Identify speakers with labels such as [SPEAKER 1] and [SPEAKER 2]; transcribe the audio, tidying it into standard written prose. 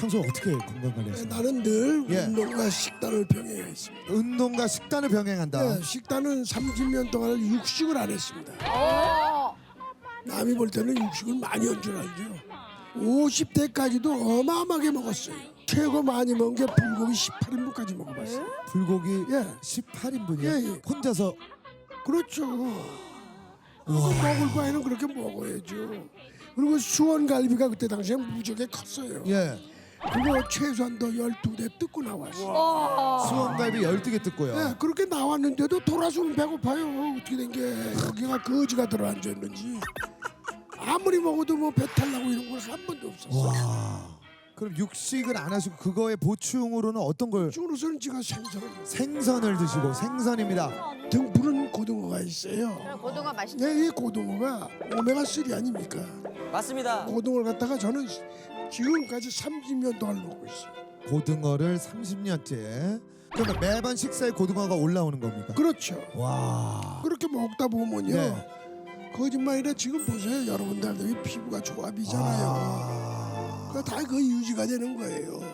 [SPEAKER 1] 평소 어떻게 건강 관리하시나요?
[SPEAKER 2] 나는 늘
[SPEAKER 1] 예.
[SPEAKER 2] 운동과 식단을 병행했습니다.
[SPEAKER 1] 운동과 식단을 병행한다.
[SPEAKER 2] 예, 식단은 30년 동안 육식을 안 했습니다. 남이 볼 때는 육식을 많이 한 줄 알죠. 50대까지도 어마어마하게 먹었어요. 최고 많이 먹은 게 불고기 18인분까지 먹어봤어요.
[SPEAKER 1] 불고기
[SPEAKER 2] 예.
[SPEAKER 1] 18인분이요?
[SPEAKER 2] 예, 예.
[SPEAKER 1] 혼자서.
[SPEAKER 2] 그렇죠. 먹을 바에는 그렇게 먹어야죠. 그리고 수원갈비가 그때 당시에 무지하게 컸어요.
[SPEAKER 1] 예.
[SPEAKER 2] 그거 최소한도 12대 뜯고 나왔어요.
[SPEAKER 1] 수원갈비 12개 뜯고요.
[SPEAKER 2] 네, 그렇게 나왔는데도 돌아서면 배고파요. 어떻게 된 게 여기가 거지가 들어앉아 있는지. 아무리 먹어도 뭐 배탈 나고 이런 건 한 번도 없었어요.
[SPEAKER 1] 와. 그럼 육식을 안 하시고 그거에 보충으로는 어떤 걸?
[SPEAKER 2] 중으로서는 제가 생선을
[SPEAKER 1] 생선을 드시고. 생선입니다.
[SPEAKER 2] 등푸른 고등어가 있어요.
[SPEAKER 3] 고등어 맛있죠.
[SPEAKER 2] 네, 이 고등어가 오메가 3 아닙니까?
[SPEAKER 4] 맞습니다.
[SPEAKER 2] 고등어를 갖다가 저는 지금까지 30년 동안 먹고 있어요.
[SPEAKER 1] 고등어를 30년째. 그러면 매번 식사에 고등어가 올라오는 겁니까?
[SPEAKER 2] 그렇죠.
[SPEAKER 1] 와.
[SPEAKER 2] 그렇게 먹다 보면요.
[SPEAKER 1] 네.
[SPEAKER 2] 거짓말이라 지금 보세요. 여러분들 피부가 조합이잖아요.
[SPEAKER 1] 아.
[SPEAKER 2] 다 그 유지가 되는 거예요.